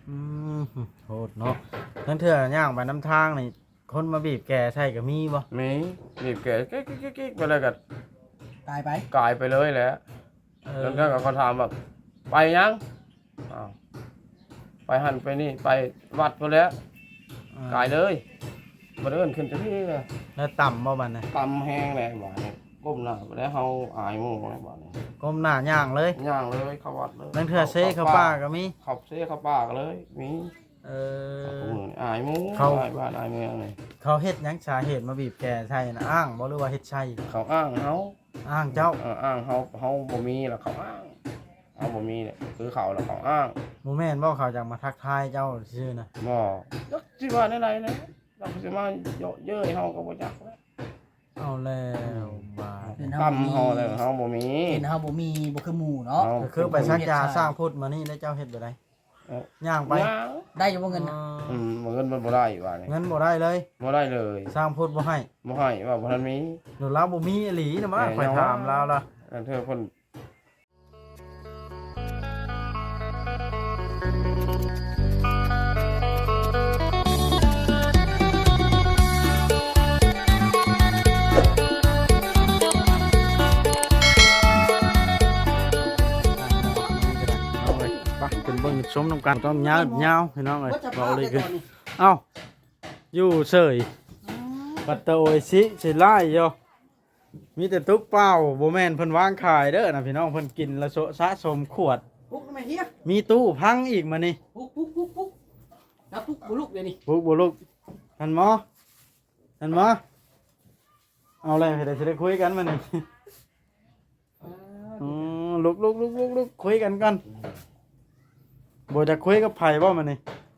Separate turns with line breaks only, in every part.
อืมโหดเนาะนั่นเถื่อย่างไปน้ำทางนี่คนมาบีบแกใช่ก็มีบ่
มีบีบแกกิ๊กไปเลยก็
ตายไป
กลายไปเลยแหละแล้วก็เขาถามแบบไปยังอ้าวไปหันไปนี่ไปวัดไปแล้วกลายเลยมาเดินขึ้นจะพี่เลย
แล้วต่ำบ่บัดน่ะ
ตำแห้งเลยบ่านี่ก้มหน้าไปแล้วเขาอายหมู่เลยบ่านี่
ก้มหน้าย่างเลย
ย่างเลยเขาวัดเลย
นั่นเถื่อเซ่เขาป้าก็มี
ขับเซ่เขาป้าก็เลยมี
เออ
มืออายหมู่อายบ้านอายเมืองเลย
เขาเฮ็ดหยังสาเหตุมาบีบแกใช่นะอ้างบ่หรือว่าเฮ็ดใช่
เขาอ้างเขา
อ้างเจ้า
อ้างเขาบ่มีแล้วเขาอ้างเขาบ่มีเนี่ยคือเขาแล้วเขาอ้าง
หมู่แม่นบ่เขาจังมาทักทายเจ้าซื่อนะ
บ่จักสิว่าในไรนะเราสิมาเยอะเย้ยเฮาก็บ่จักแล้ว
เอาแล้วบาด
ตำเฮาเลยเฮาบ่มี
เห็นเฮาบ่มีบ่คือหมู่เนาะ
ก็คือไปซักยาสร้างพุทธมานี่แล้วเจ้าเฮ็ดบ่ได้ย่างไป
ย่าง
ได้อยู่บ่เงินน่ะ
เงินมันบ่ได้ว่านี่
เงินบ่ได้เลย
บ่ได้เลย
สร้างพุทธบ่ให้
บ่ให้ว่าบ่ทันมี
หนูลาวบ่มีอีหลีนะมาข่อยถามลาวล่ะ
อันเธอเพิ่น
เอาเลยไปเป็นเบิ่งชมนำกันต้องยาวๆพี่น้องเอ้ย
ว่าจะ
เว้า
พา
เล
ไป
ยคือ
ก่อนนี่
เอ้าอยู่เฉยปัตตะโอยสิสิไล่อยู่มีแต่ตุ๊กเป้าบ่แม่นเพิ่นวางขายเด้อนะพี่น้องเพิ่นกินละโซะสะสมขวด
ปุ๊กทำไมเฮีย
มีตู้พังอีกมานี่
ปุ๊กแล้วปุ๊กบ่ลุกเดี๋ยวนี้
ปุ๊กบ่ลูกท่านหมอท่านหมอเอาเลยเดี๋ยวจะได้คุยกันมานี่ลุกคุยกันกันบ่จะคุยกับไผบ่มานี่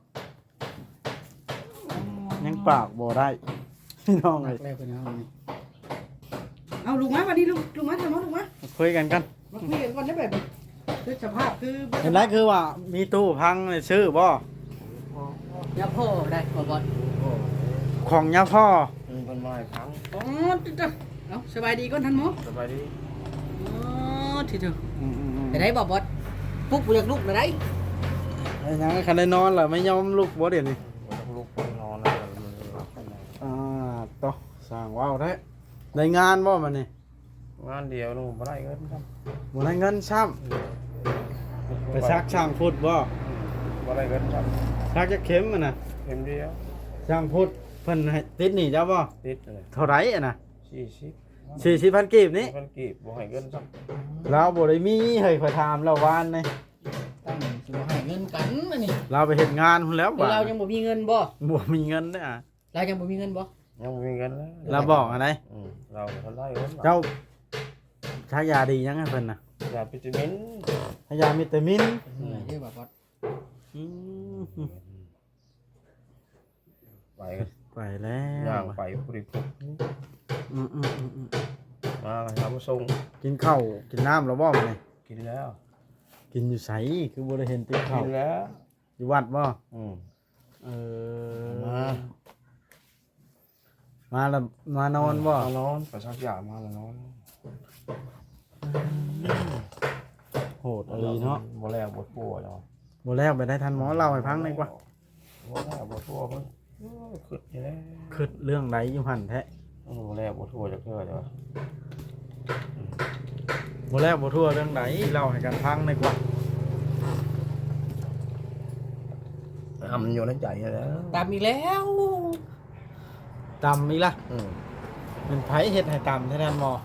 ยังปากบ่ได้พี่น้องเอ้ย
แล้วเป็นเอานี่เอาลุกมาวันนี้ลุกมาทำมาลุกมา
คุยกันกัน
มาคุยกันก่อนได้แบบนี้คือสภาพคือ
เห็นไรคือว่ามีตู้พังเลยซื้อบ่
ยาพ่อได้ขอบ่
ของยาพ่อ
เพิ่นมาให้พัง
อ๋อติ๊ดเอาสบายดีก่อนท่านหมอ
สบายดี
อ๋อทีเดียว
อืม
ไปได้บ่บอสปุ๊กบ่อยากลุกเลยได้
ไอ้ยังคันได้นอนล่ะไม่ยอมลุกบ่เดี๋ยวนี้
บ่ต้องลุกไปนอนแล้วมันรับไปนอน
ต่อสร้างว้าวแท้ได้งานบ่มันนี่
งานเดียวนู่นบ่ได้เงินครับ
บ่ได้เงินซ้ำไปซักช่างพุทธบ่
บ่ได้เงินครับ
ซักจะเข็มมันน่ะ
เข็มเดียว
ช่างพุทธเพิ่นให้ติดหนี้เจ้าบ่
ติดเลย
เท่าไหร่อะน่ะ
40
40,000กีบนี่
เพิ่นกีบบ่ให้เงินครับ
เราบ่ได้มีให้ข่อยถามเราวานนี่
ตั้งสิบ่ให้เงินกันอันนี้
เราไปเฮ็ดงานพุ่นแล้ว
แต่
บ่
เรายังบ่มีเงินบ่
บ่มีเงินเด้อ
เรายังบ่มีเงินบ่
ยังบ่มีเงินแล้ว
เราบอกอะไร
เราบ่ได้เงิน
เจ้าชายาดียังให้เพิ่นน่ะ
ยาวิตามิน
ชายาวิตามิน
เหนื่อยเด้อบ่บอส
อืม
ไปกัน
ไปแล้ว
ย่างไปบริโภค
อืม
มาทำส่ง
กินข้าวกินน้ำแล้วบ่มานี่
กินแล้ว
กินอยู่ไสคือบ่ได้เห็นติดข้า
กิ
วน
แล้ว
อยู่วัดบ่ เออ
มา
มาแล้วมานอนบ่
มานอนไปชักยามาแล้วนอน
โหดอะไรเนาะ
บ่แล้วบ่ทั่วเนาะ
บ่แล้วไปได้ทันหมอเล่าให้ฟังหน่อยกว่า
บ่แล้วบ่ทั่วเพิ่นขึ้นอยู่แล้ว
คิดเรื่องใดอยู่หั่นแท้
บ่แล้วบ่ทั่วจักเทื่อจ้ะ
บ่แล้วบ่ทั่วเรื่องใดเล่าให้กันฟังหน่อยกว่า
มันอยู่ในใจแล้ว
ตามอีกแล้ว
ตำอีกล่ะมันไผเฮ็ดให้ตำแท้ทันหมอ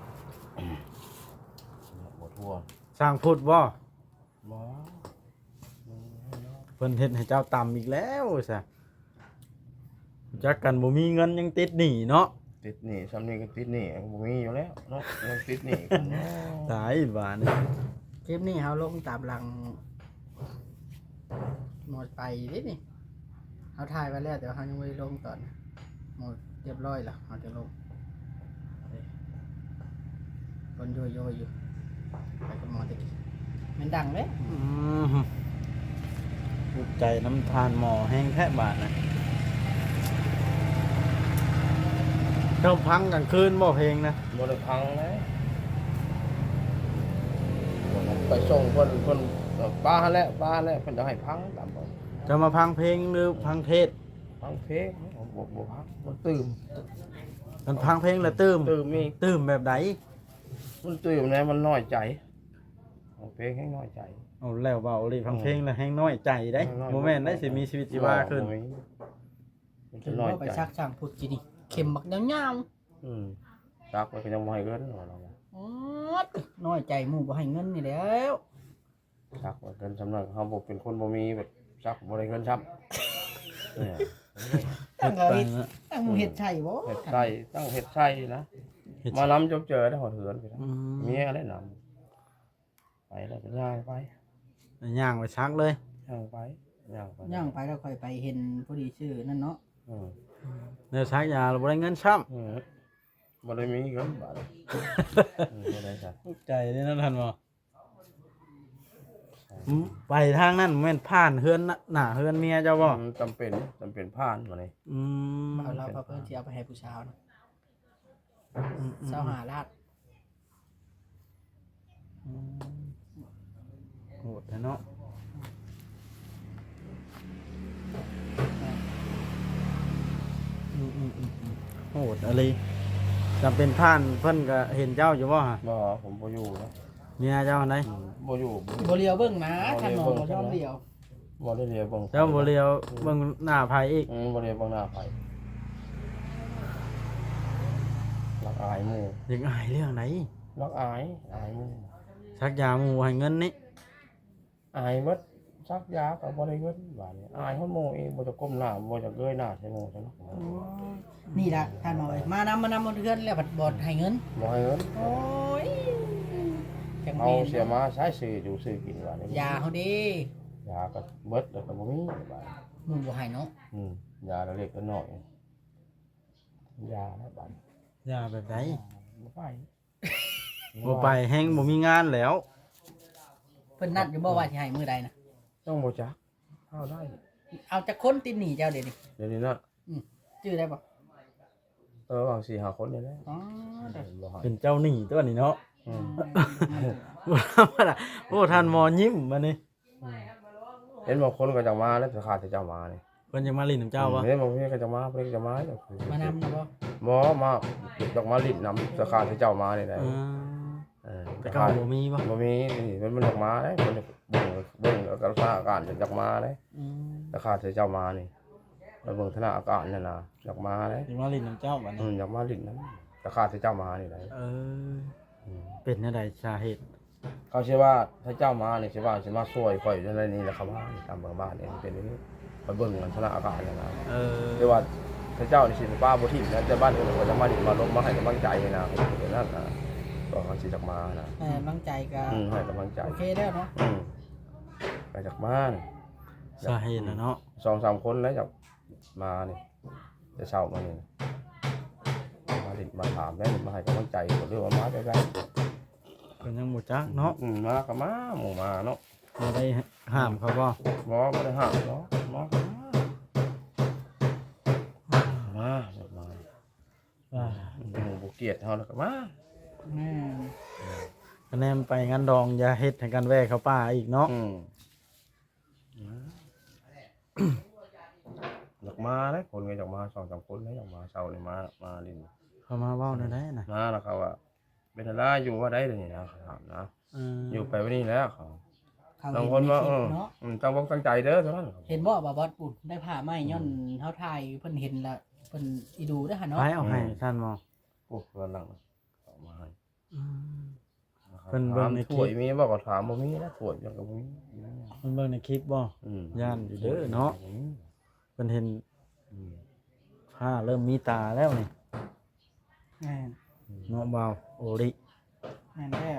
บ่ทั่ว
สร้างพุทธบ่
บ่
เพิ่นเฮ็ดให้เจ้าตำอีกแล้วซะจักกันบ่มีเงินยังติดหนี้เนาะ
ติดหนี้ซ้ำนี่ก็ติดหนี้บ่มีอยู่แล้วเนาะยังติดหนี้กันเนาะ
ตายบาดนี่
คลิปนี้เฮาลงตามหลังหมดไปเด้นี่เฮาถ่ายไว้แล้วแต่ว่าเฮายังบ่ได้ลงตอนหมดเรียบร้อยแล้วเฮาจะลงคนโยโย่อยู่ไปกับหมอตะกี้มันดังเด้
ภูมิใจน้ำทานหมอแห้งแท้บาดนะเจ้าพังกลางคืนบ่เพลงนะ
บ่ได้พังเลยไปส่งเพิ่นป้าหั่นแหละเพิ่นจะให้พังตามบ่
จะมาพังเพลงหรือพังเทศ
ฟังเพลงบ่พักมันตื่ม
มันพังเพลงแล้วตื้ม
ตื่มมี
ตื้มแบบใด
มันตื่มเนี่ยมันน้อยใจฟังเพลงให้น้อยใจ
เอาแล้วเบาเลยพังเพลงแล้วแห้งน้อยใจได้โมเมนต์ได้สิมีชีวิตชีวาขึ้น
มัน
ถึ
จะ
ง
น้อย
ว่าไป
ใจ
ซักช่างพูดกินนี่เข็มบักยาว
ซักมันก็ยังไม่ให้เงินเรา
ๆอ๋อน้อยใจหมู่บ่ให้เงินนี่แหล้ว
ซักมันเงินสำนักเขาบอกเป็นคนบ่มีแบบซักบ่ได้เงินซับเนี่ย
ตั้งเอา
ไป
เฮ็ด
นะ
ตั้งหมู่เฮ็ดใช่บ่
เห็ดไส้ตั้งเห็ดไส้นะ
เฮ็ด
มาล้ำจบเจอได้หอดเหือนไปนะ
อืม
เมียได้นำไปแล้วก็ย่างไป
ย่างไปชักเลย
ย่างไปย่างไป
ย่างไปแล้วค่อยไปเห็นพอดีชื่อนั่นเนาะ
อืม
เนื้อชักยาเราบ่ได้เงินช้
อืมบ่ได้มีเงินบาทบ่ได้จ้ะ
ำใจนี่นะท่านบ่ไปทางนั้นแม่นผ่านเฮือนหน้าเฮือนเมียเจ้าบ่
จำเป็นผ่านมาเลย
อืม
เอาเราเพิ่นสิเอาไปให้ผู้ชาวนะ25ล้าน
โหดแท้เนาะโหดอะไรจำเป็นผ่านเพิ่นก็เห็นเจ้าอยู่บ่ฮะ
บ่ผมบ่อยู่นะ
เมียเจ้าไหน
บ่อยู่
บ่เลียวเบิ่งนะท่านหมอบ่ยอมเลียว
บ่ได้เรียนเบิ่ง
เจ้าบ่เลียวเบิ่งหน้าไผอีก
บ่เรียนเบิ่งหน้าไผรักอายหมู่
ยังอายเรื่องไหน
รักอายหมู่
ชักยาหมู่ให้เงินนี่
อายหมดซักยาก็บ่ได้เงินบาดนี้อายเฮาหมู่เองบ่จะก้มหน้าบ่จะเงยหน้าใส่หมู่จังเนาะ
นี่ล่ะท่านหมอเอ้ยมานำบ่เทือนแล้วบัดบ่ให้เงิน
บ่ให้เงิน
โอ้ยจัง
เอา
แม่น
เสียมาใช้ซื้ออยู่ซื้อกินบาดนี้
ยาเฮาเด้
ยาก็เบิดแล้วก็บ่มีบาด
หมู่บ่ให้เนาะ
ยาเล็กๆน้อยยาแล้วบาด
ยาแบบไหน
บ่ไป
บ่ไปแฮงบ่มีงานแล้ว
เพิ่นนัดอยู่บ่ว่าสิให้มื้อใดนะ
ต้องบ่จักเฮาได้
เอาจักคนติดหนี้เจ้าเดี๋ยวนี้
เดี๋ยวนี้นะ
ชื่อได้บ่
บาง 4-5 คนนี่แหละ
อ๋อเด้อ
บ่ให้
เป็นเจ้าหนี้ตัวนี้เนาะ
อืม
บ่ธรรมดาโอ้ท่านหมอยิ้มมานี่
เห็นบางคนก็จะมาแล้วจะขาดแต่เจ้ามานี่
เพิ่นยังมาลิ้นน้ำเจ้าบ่
เห็นบางคนก็จะมาเพิ่นก็จะมาแล้ว
มานำนะบ่
บ่มาดอกมาลิ้นนำจะขาดแต่เจ้ามานี่ได้
แต่เก่าบ่มีบ่
บ่มีนี่มันดอกมาได้มันเบิ่งแล้วก็สถานการณ์จะดอกมาได้
อืม
จะขาดแต่เจ้ามานี่แล้วเบิ่งสถานการณ์นั่นน่ะดอกมาได้
ยังมาลิ้นน้ำเจ้าบัดนี้
ดอกมาลิ้นนำจะขาดแต่เจ้ามานี่ได้
เป็นจังไดสาเหตุ
เขาเชื่อว่าถ้าเจ้ามานี่สิว่าสิมาช่วยข่อยจังได๋นี่แหละครับว่าตามเบิ่งบ้านนี่เป็นอย่างนี้ไปเบิ่งสถานการณ์นั่นน่ะ แต่ว่าถ้าเจ้านี่สิป้าบ่ทิ่มนะแต่บ้านคนก็จะมาดิมาลงมาให้กำลังใจนะเดี๋ยวนั้นนะก็เขาสิจักมานะ
กำลังใจก็
ให้กำลังใจ
โอเคแล้วเนาะ
ไปจากมานี่
สาเหตุน่ะเนาะ
2-3 คนแล้วจากมานี่จะเช่ามานี่มาดิมาถามได้มาให้กำลังใจก็เรื่องว่ามาได้ได้
เพิ่นยังบ่จักเนาะ
มาก็มาหมู่มาเนาะ
บ่ได้ห้ามเขาบ่
หมอบ่ได้ห้ามเนาะหมอก็มาหมู่บ่เกลียดเฮาแล้วก็มา
แม่
คะแนนไปงานดองอย่าเฮ็ดให้กันแวะเข้าป่าอีกเนาะ
อยากมาเลยคนก็อยากมา2-3 คนเลยอยากมาเช้านี่มาลิน
เขามาเว้าได้ได้น่ะ
มาแล้วเขาว่าเป็นอะไรอยู่ว่าได้เลยนี่นะเขาถามนะอยู่ไปวันนี้แล้วเขา
เขา
บาง
เห็น
คน
ใน
ว่า
คลิปเนาะ
ตั้งวงตั้งใจเด้อเท่านั้น
เห็นบ่ว่าบอสปุ่นได้ผ้าไหมย้อนเฮาถ่ายเพิ่นเห็นแล้วเพิ่นอีดูเด้อหั่นเนาะ
ไปเอาให้ท่านหมอ
โอ้เพื่อนหลังเอามาให้
เพิ่นเบิ่งในคลิป
ถ้วยมีบ่ก็ถามบ่มีนะถ้วยยังก็บ่มี
เพิ่นเบิ่งในคลิปบ่ ย่านอยู่เด้อเนาะ เพิ่นเห็นผ้าเริ่มมีตาแล้วนี่
แม่น
เนาะบ่าวโอริ
แม่นแล้ว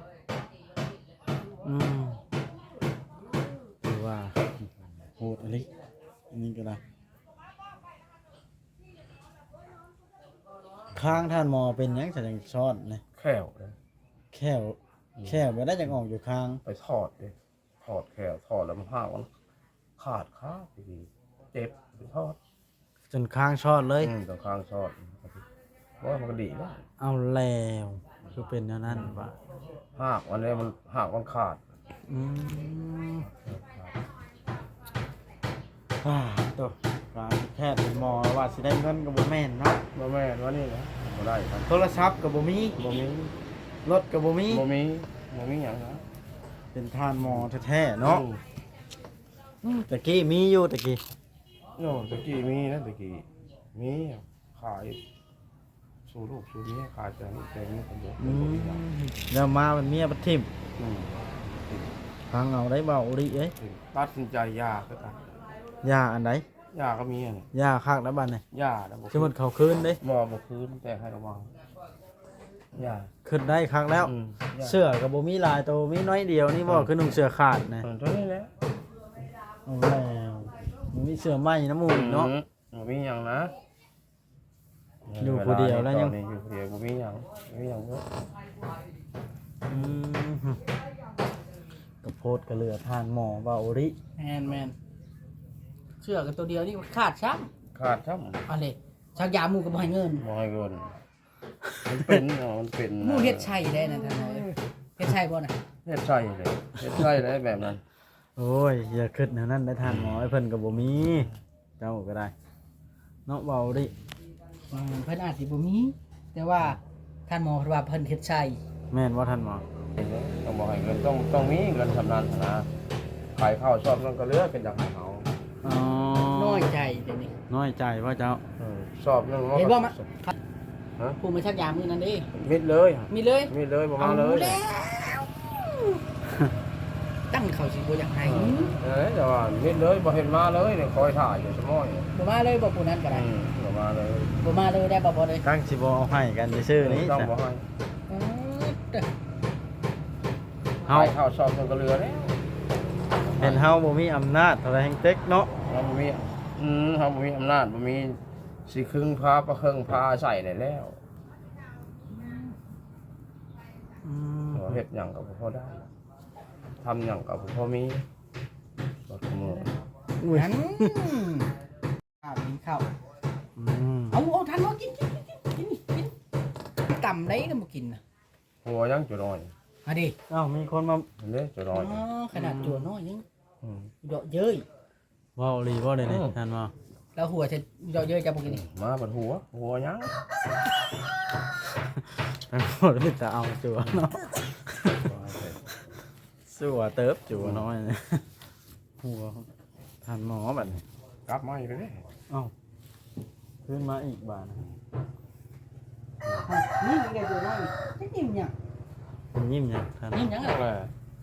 คือว่าโหดอลิอันนี้ก็ได้ข้างท่านหมอเป็นหยังจะจังซ้อนนะ
แค่วเลย
แค่บ่ได้จังออกอยู่ข้าง
ไปทอดดิทอดแค่วทอดแล้วมันผ้ามันขาดขาดีเจ็บไปทอด
จนข้างช้อนเลย
ตรงข้างทอดว่ามันก็ดีแล้ว
เอาแล้วคือเป็นแนวนั้นว่า
หากวันนี้มันหากมันขาด
อืมตัวการแพทย์เป็นหมอว่าสิได้เงินก็บ่แม่นเนาะ
บ่แม่นว่านี่นะบ่ได้ครับ
โทรศัพท์ก็บ่มี
บ่มี
รถก็บ่มี
บ่มีบ่มีหยังนะ
เป็นทานหมอแท้ๆเนาะตะกี้มีอยู่ตะกี้
โน่ตะกี้มีนะตะกี้มีขายสู่ลูกสู่เมียขายแต่นี่คนเดียว
แล้วมามันเมียบัดทิ่ม
อืม
ฟังเอาได้เบาดิเอ้ย
ตัดสินใจยาก็ตัด
ยาอันใด
ยาก็มีอ่ะนี่
ยาคักแล้วบัดนี่
ยาแล้วบ่
สมมุติเขาคืนเด้
บ่บ่คืนแต่ให้ระวังยา
ขึ้นได้คักแล้ว
ยา
เสื้อก็บ่มีลายตัวมีน้อยเดียวนี่บ่คือนุ่งเสื้อขาดนะ
ตัวนี้แหละ
เอาแล้วมันมีเสื้อไหมน้ำมูกเนาะ
บ่มีหยังนะ
อยู่ผู้เดียวแล้วยัง
ตอนนี้อยู่ผู้เดียวบ่มีหยังบ่มีหยังเด้อ
อืมกระโพดกระเหลือทานหมอเบาดิ
แมนเชื่อกันตัวเดียวนี่ขาดช้
ขาดช้ำ
ำอะไรชักยาหมูก็บ่ให้เงิน
บ่ให้เงินมันเป็นมันเป็น
หมูเฮ็ดชัยได้นะท่านเอ้ยเฮ็ดชัยบ่น่ะ
เฮ็ดใช่เลยเฮ็ดใช่เลยแบบนั้น
โอ้ยอย่าคิดแนวนั้นได้ทานหมอไอ้เพิ่นก็บ่มี เจ้าก็ได้เนาะเบาดิ
เพิ่นอาจสิบ่มี แต่ว่าท่านหมอเพิ่นว่าเพิ่นเฮ็ดชัย
แม่นว่าท่านหมอ
ต้องบ่ให้เงินต้องมีเงินสำนันนะขายข้าวชอบนั่นก็เหลือเป็นจากให้เขา
อ๋อ
น้อยใจเดี๋ยวนี้
น้อยใจว่าเจ้า
ชอบนั่น
เห็นบ่มะ
ฮะ
ผู้มาชักยามื้อนั้นเด้
มิดเลย
มีเลย
มิดเลยบ่มาเลย
อแล้วตั้งเขาสิบ่อยากให้
แต่ว่ามิดเลยบ่เห็นมาเลยเนี่ยคอยถ่ายอยู่สมอย
บ่มาเลยบ่ผู้นั้นก็ได้
บ่มาเลย
บ่มาเลยได้บ่เลย
ตั้งสิบ่เอาให้กันซื่อๆนี้
ต้องบ่ให้
เฮา
ขายข้าวชอบนั่นก็เหลือแล้ว
เห็นเฮาบ่มีอำนาจเท่าไรแห่งเต็กเนาะ
เราบ่มีเราบ่มีอำนาจบ่มีสิครึ่งพาประครึ่งพาใส่ได้แล้ว
อืม
เฮ็ดหยังก็บ่พอได้ทำหยังก็บ่พอมีบ่ขโมย
อุ้ย
นั้นข้าวกินข้าว
อืม
เอาทันบ่กินต่ำได้ก็บ่กินน่ะ
หัวยังจุน้อย
มาดิ
เอ้ามีคนมา
เห็นเด้จุน้อย
ขนาดจั่วน้อยยัง
ม
เดาะเย้ย
เว้าอีหลีบ่ได้นี่
อืม
ท่านหมอ
แล้วหัวจะเดาะเย้ยจะบ่กินนี่
มาบัดหัวยัง
ท่านหมอมีแต่เอาจัวเนาะสัวเติบจัวน้อยนะหัวท่านหมอบัดนี้
กลับมาอีกเลย
เอ้าขึ้นมาอีกบาทนะ
นี่มีแต่จั่วน้อยจะยิ้มหยัง
เป็นยิ้มยังท่าน
ยิ้มหยัง
นั่
อ่ะ
นแหละ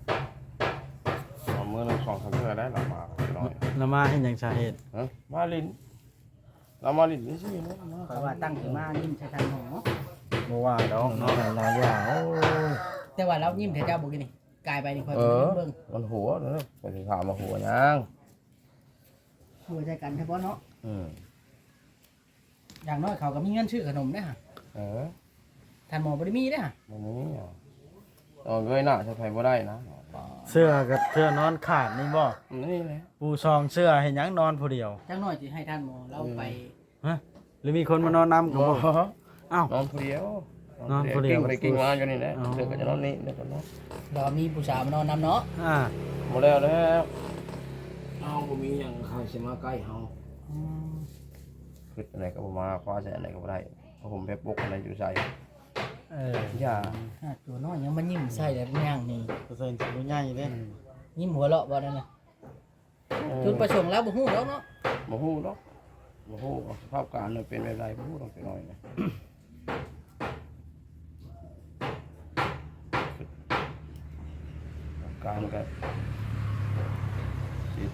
เอามือหนึ่งสองสามเทื่อได้หลับมาจุน้อย
แล้วมาเห็นหยังสาเหตุ
ฮะมาลินเรามาลินนี่สิเนาะมา
เพราะว่าตั้งขึ้นมายิ้มใส่ทางหมอ
บ่ว่าดอกเนาะหลายอย่างโอ้ย
แต่ว่าเรายิ้มแต่เจ้าบ่กินนี่กลายไปนี่ค่อย
เออ
เบิ่ง
มันหัวเนอะไปถามมาหัวยัง
หัวใจกันเฉพาะเนาะ
อืม
อย่างน้อยเขาก็มีเงินซื้อขนมเด้อฮะ
เออ
ท่านหมอบ่ได้มีเด้อฮะ
มันนี้อ่ะเงยหน้าใช้ไฟบ่ได้นะ
เสื้อกับเสื้อนอนขาดนี่บ่
นี่แหละ
ปูซองเสื้อเห็นหยังนอนผู้เดียว
จังน้อยสิให้ท่านหมอเราไป
ฮะหรือมีคนมานอนนำกับ
บ่
บ่อ้าว
นอนผู้เดียวน
อนผู้เดียว
กิ่งไปกิ่งมาอยู่นี่แหละ
อ๋อ
เดี๋ยวก็จะนอนนี่เดี๋ยวก็นอน
รอมีผู้สาวมานอนนำเนาะ
อ่า
หมดแล้วเอาบ่มีหยังใครสิมาใกล้เฮาคืออะไรก็บ่มาคว้าใส่อะไรก็บ่ได้เพราะผมไปปลุกอะไรอยู่ใส่
เออ
อย่า
ตัวน้อยยังมันยิ้มใส่แบบย่างนี่
เปอร์เซ็นต์สิบ่ใหญ่เด้
ยิ้มหัวเราะบ่นั่นน่ะจุดประสงค์แล้วบ่ฮู้แล้วเนาะ
บ่ฮู้ดอกบ่ฮู้ว่าสภาพการมันเป็นแบบไรบ่ฮู้ดอกจักหน่อยนะการก็สิ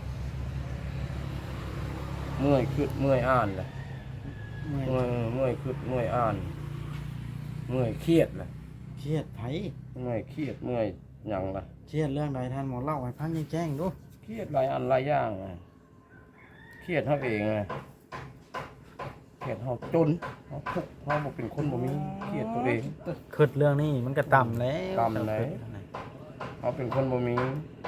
เมื่อยคิดเมื่อยอ่านแหละ เมื่อยคิดเมื่อยอ่าน เมื่อยเครียดแหละ
เครียดไผ
เมื่อยเครียดเมื่อยหยังล่ะ
เครียดเรื่องใดท่านหมอเล่าให้ฟังแจ้งๆดู
เครียดหลายอันหลายอย่างอะเครียดเฮาเองไงเครียดเฮาจนเฮาทุกข์เฮาบ่เป็นคนบ่มีเครียดตัวเอง
คิดเรื่องนี้มันก็ต่ำแล้ว
ต่ำไหน เฮาเป็นคนบ่มี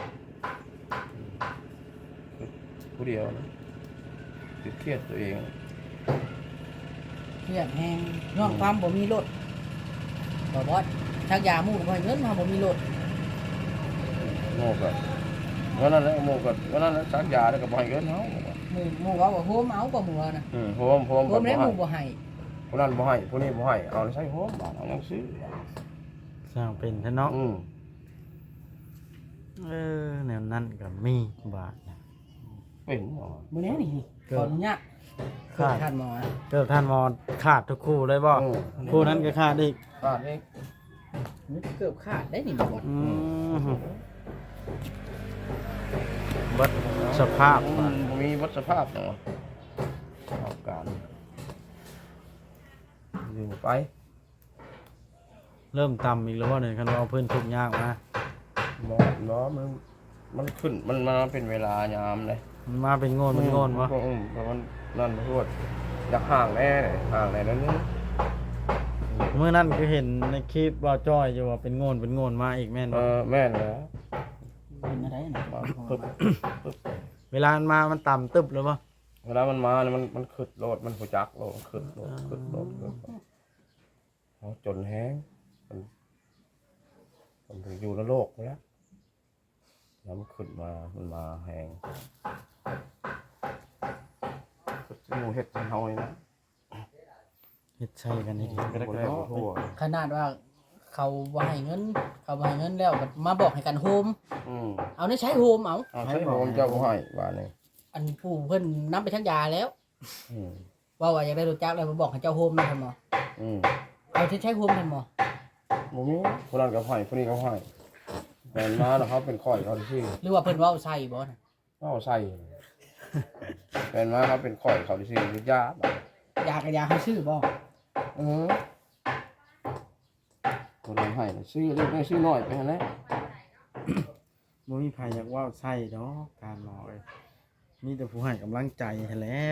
ผู้เดียวนะติดเครียดตัวเอง
เครียดแฮงย้อนความบ่มีรถบ่บอสชักยาหมู่ก็บ่ให้เงินมาบ่มีรถ
โง่ก็โง่วันนั้นแหละหมู่ก็วันนั้นสักยาแล้วก็บ่ให้เงินเฮา
หมู่ว่าโฮมเอาบ่หมู่น่ะ
โฮม
โฮมแล้วหมู่บ่ให้
ผู้นั้นบ่ให้ผู้นี้บ่ให้เอาใช้โฮมบาดเอายังซื้อ
สร้างเป็นแท้เนาะแนวนั้นก็มีบาทนะ
เป็นเนาะ
มื้อนี้นี่ขออนุญาต
ขาด
ท่านหมอนะ
เกิดท่านมอขาดทุกคู่เลยบ่คู่นั้นก็ขาดอีก
บาดนี้
นี่เกือบขาดได้นี่บ่บ่
เบัดสภาพ
บ่มีวัดสภาพเนาะเอาการอยู่ไป
เริ่มต่ำอีกแล้วว่าเนี่ยคันว่าเอาเพิ่นทุกข์ยากมา
บ่มันขึ้นมันมาเป็นเวลายามเลย
มันมาเป็นโงนเป็นโงนวะ
เพราะมันนั่นพูดอยากห่างแน่เลยห่างแน่นั่นนี่
เมื่อนั้นก็เห็นในคลิปว่าจ้อยอยู่ว่าเป็นโงนมาอีกแม่นบ่
แม่นแล้ว
เป็นอะไรน่ะ
ปึ๊บ
เวลามันมามันต่ำตึบเลยบ่
เวลามันมาเนี่ยมันขึ้นโลดมันหูจักโลดขึ้นโลดเขาจนแห้งมันถึงอยู่ในโลกแล้วแล้วมันขึ้นมามันมาแห้งงูเห็ดจันเฮานี่นะ
เฮ็ดใช่กันนี่
ก็ได้ทั่ว
ขนาดว่าเขาบ่ให้เงินแล้วก็มาบอกให้กันโฮมเอานี่ใช้โฮมเอา
ใช้ผมเจ้าบ่ให้ว่านี่
อันผู้เพิ่นนำไปชักยาแล้วว่าอยากได้รถจักรแล้วมาบอกให้เจ้าโฮมนะท่านหมอเอาที่ใช้โฮมท่านหมอ
บ่มีคนนั้นก็ให้คนนี้ก็ให้แม่นมาแล้วเขาเป็นข่อยเขาที่
หรือว่าเพิ่นเว้าใส่บ่น่ะ
เอาใส่แม่นมาเขาเป็นข่อยเขาที่ยาบ่
ยาก็ยาให้ซื้อบ่
คนนั้นให้ซื้อเล็กน้อยซื้อน้อยไปหั่นแหละ
บ่มีไผอยากเว้าใส่ดอกการหมอเอ้ยมีแต่ผู้ให้กำลังใจให้แล้ว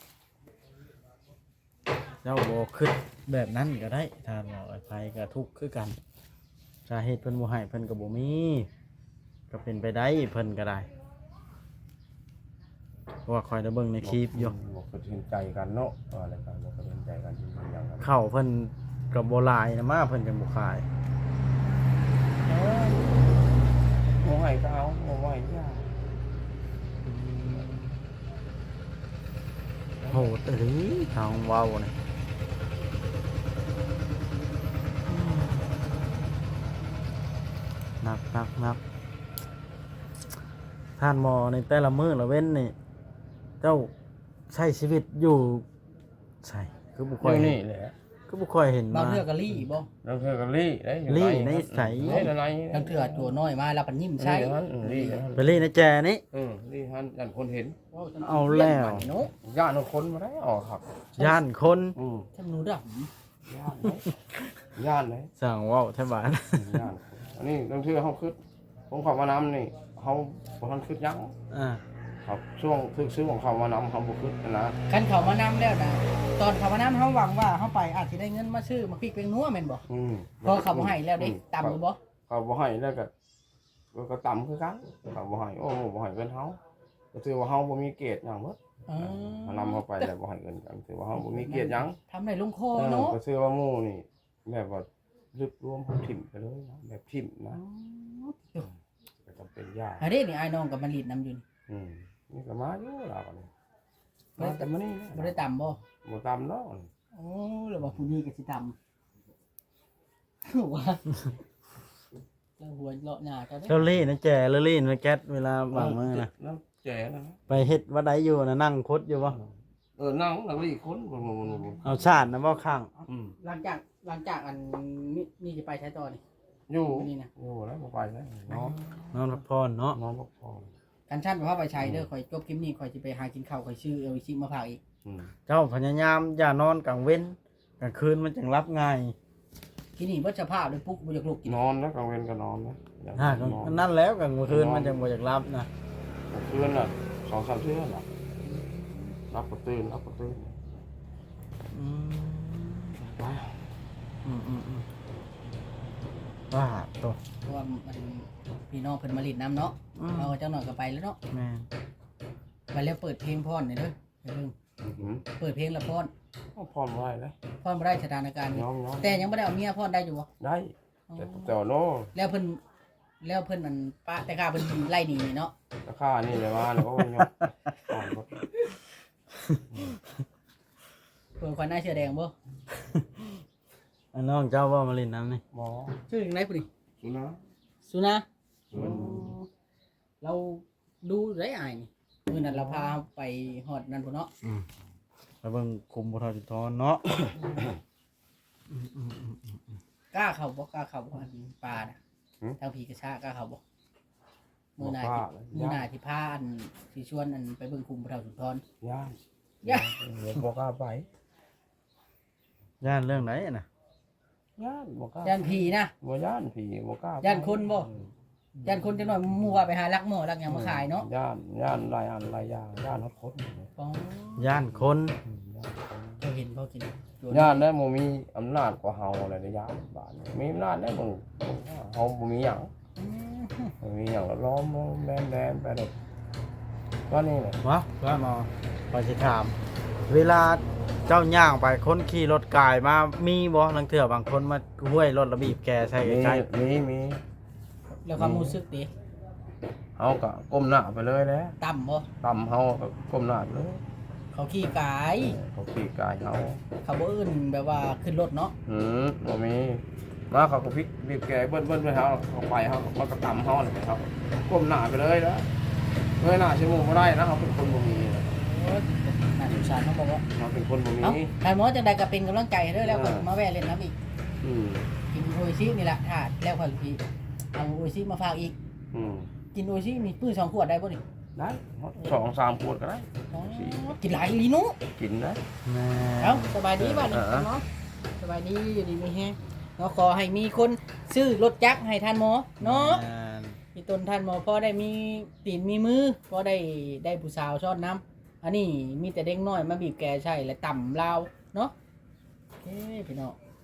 เจ้าบ่คิดแบบนั้นก็ได้ถ้าหมอไผก็ทุกข์คือกันสาเหตุเพิ่นบ่ให้เพิ่นก็บ่มีก็เป็นไปได้เพิ่นก็ได้เพราะว่าคอยได้เบิ่งในคลิปอยู่
บ่เคยเห็นใจกันเนาะอะไรกันบ่เคยเห็นใจกันจริงๆอย่างนั้น
เข้าเพิ่นก็บ่หลายนะมาเพิ่นก็บ่ขาย
บ่ให้ก็เอาบ่ให้ยา
โหดเอ้ยทางเว้านี่หนักท่านหมอในแต่ละมื้อละเว้นนี่เจ้าใช้ชีวิตอยู่ใช่คือบ่ค่อย
นี่แหละ
คือบ่ค่อยเห็น
บาง
มา
เทื่อก็ลี่บ่
เราเคยกันลี่ได้
ลี่ในใส
ใน
บางเทื่อตัวน้อยมาแล้วก็ยิ้มใส่
ลี่
ไปเล่นในแจนี่
ลี่ฮันยันคนเห็น
เอาแล้ว
เนาะ
ญาติคนมาได้ออกครับ
ย่านคน
ทำหนูด
ญาติเลย
สั่งเว้าแท้บ้าน
ญาติอันนี้บางทีเขาขึ้นผมขับมาน้ำนี่เขาบ่ทันขึ้นยัง ครับช่วงทึกซื้อของเขามานำเขาบุขึ้นนะ
คันเขามานำแล้วนะตอนเขามานำเขาหวังว่าเขาไปอาจจะได้เงินมาซื้อมาพริกเป็นนัวแม่นบ่พอเขาบ่ให้แล้วเด้ต่ำหรือบ่
เขาบ่ให้แล้วก็ต่ำคือกันเขาบ่ให้โอ้บ่ให้เงินเขาก็ถือว่าเขาบ่มีเกียรติหยังเบิดนำเขาไปแล้วบ่ให้เงินกันถือว่าเขาบ่มีเกียรติหยัง
ทำได้ลงคอเนาะ
ก็ถือว่าหมู่นี่แบบว่าลึกรวมเขาถิ่มไปเลยนะแบบถิ่มนะก็จำเป็นยาก
อันนี้นี่ไอ้น้องกับมันลีดน้ำอยู่
นี่ก็มาอยู่แล้วนี่มาแต่มื้อนี้
บ่ได้ต่ำบ่
บ่ตามเนาะ
โอ้แล้วว่าผู้นี้ก็สิต่ำว่าเจ้าหัวเลาะหน้าเจ้าเด้
เจ้าเล่นะแจแล้วเล่นมาแก๊สเวลาบางมื้อนะ
น้ำแจ๋นะ
ไปเฮ็ดวัดใดอยู่นะนั่งคดอยู่บ่
นั่งแล้วอีกคนบ่
เอาชาตินะบ่ข้าง
หลังจากอันนี่จะไปใช้ต่อนี่
อยู่แล้วบ่ไปแล้วนอน
นอนพักผ่อนเนาะ
นอนพักผ่อน
กันชั่นว่าไปใช้เด้อข่อยจบคลิปนี้ข่อยสิไปหากินข้าวข่อยซื้อเอาชิมาฝากอีก
เจ้าพยายามอย่านอนกลางเว้นกลางคืนมันจังรับง่าย
ทีนี้เบิดสภาพเลยปุ๊กบ่อยากลุกกิน
นอนแล้วกลางเวรก็นอนนะ
นั่นแล้วกลางคืนมันจังบ่อยากรับนะ
กลางคืนน่ะ2-3เทื่อน่ะรับก็ตื่น
ว่าตัว
เพราะว่ามันพี่น้องเพิ่นมาลิดน้ำเนาะเอาเจ้าหน่อยก็ไปแล้วเนาะ
แม่
ไปแล้วเปิดเพลงพรหน่อยเด้ออย่าลืมเปิดเพลงละพร
พร้อมไว้แล้ว
พรบ่ได้สถานการณ์นี้แต่ยังบ่ได้เอาเมียพรได้อยู่บ่
ได้แต่โน่
แล้วเพิ่นแล้วเพิ่นมันปะแต่ข้าเพิ่นไล่หนีเนาะ
ราคานี่เลยว่าแล้วก็ยกก่อนรถ
เพิ่นควันหน้าเสื้อแดงบ่
อันน้องเจ้าว่ามาเล่นน้ำนี่
หมอ
ชื่อจังไดพุ่นนี่
สุนะ
สุนะ
มัน
เราดูได้อายนี่มื้อนั้นเราพาไปฮอดนั่นพุ่นเนาะ
แล้วเบิ่งคุมบ่ทอดทอนเนาะ
กล้าเข้าบ่กล้าเข้าบ่อันปลาน่ะทางผีกระชากล้าเข้าบ่มื้อหน้าที่มื้อหน้าที่พาอันสิชวนอันไปเบิ่งคุมพระเฒ่าสุนทร
ย่าน
ย่า
เดี๋ยวบอกกล้าไป
ย่านเรื่องไหนน่ะ
ย่านบอกกล้า
ย่านผีนะ
บ่ย่านผีบอกกล้า
ย่านคนบ่ ย่านคนจังหน่อยหมู่ว่าไปหาลักหม้อลักหยังมาขายเนาะ
ย่านหลายอันหลายอย่างย่านฮอดคน
อ๋อ
ย่านคน
เจ้าเห็นบ่กิน
ย่านได้บ่มีอำนาจกว่าเฮาอะไรในย่านบ้านมีอำนาจได้บ่เฮาบ่มีหยัง
อืม
บ่มีหยังล้อมแดนไปแบบว่านี่แหละ
วะว่ามาไปสิถาม เวลาเจ้าย่างไปคนขี่รถกายมามีบ่ลังเถื่อบางคนมาห้วยรถระบีบแกใส่ใกล้
มี
แล้วความรู้สึกดิ
เฮาก็ก้มหน้าไปเลยแหละ
ต่ำบ่
ต่ำเฮาก็ก้มหน้าไปเลย
เขาขี้กาย
เขาขี่กายเฮา
เขาบ่อื่นแบบว่าขึ้นรถเนาะ
บ่มีมาเขาก็พลิกบีบแกเบิ้นไปเฮาเขาไปเฮามันก็ต่ำเฮาเลยครับก้มหน้าไปเลยนะเงยหน้าชั่วโมงบ่ได้นะเขาเป็นคนบ่มี
โอ้ยน่าสงสารเขาบอกว่า
เขาเป็นคนบ่มี
เอ้าท่านหมอจังใดก็เป็นกำลังใจให้เด้อแล้วก็มาแวะเล่นน้ำอีก
อืม
กินโออิชินี่แหละถ้าแล้วค่อยสิเอาโออิชิมาฝากอีก
อืม
กินโออิชิมีปื้อ2 ขวดได้บ่นี่
ได้2-3ขวดก็ได้
อ๋อกินหลายอีหลีหนู
กินได้
แม่
เอ้าสบายดีบ้านนี้
เออ
เนาะสบายดีอยู่ดีมีแฮงเนาะขอให้มีคนซื้อรถจักรให้ท่านหมอเนาะ
แม่น
มีตนท่านหมอพอได้มีตีนมีมือพอได้ผู้สาวชอบน้ำอันนี้มีแต่เด็กน้อยมาบีบแกใช่และต่ำลาวเนาะโอเคพี่น้อง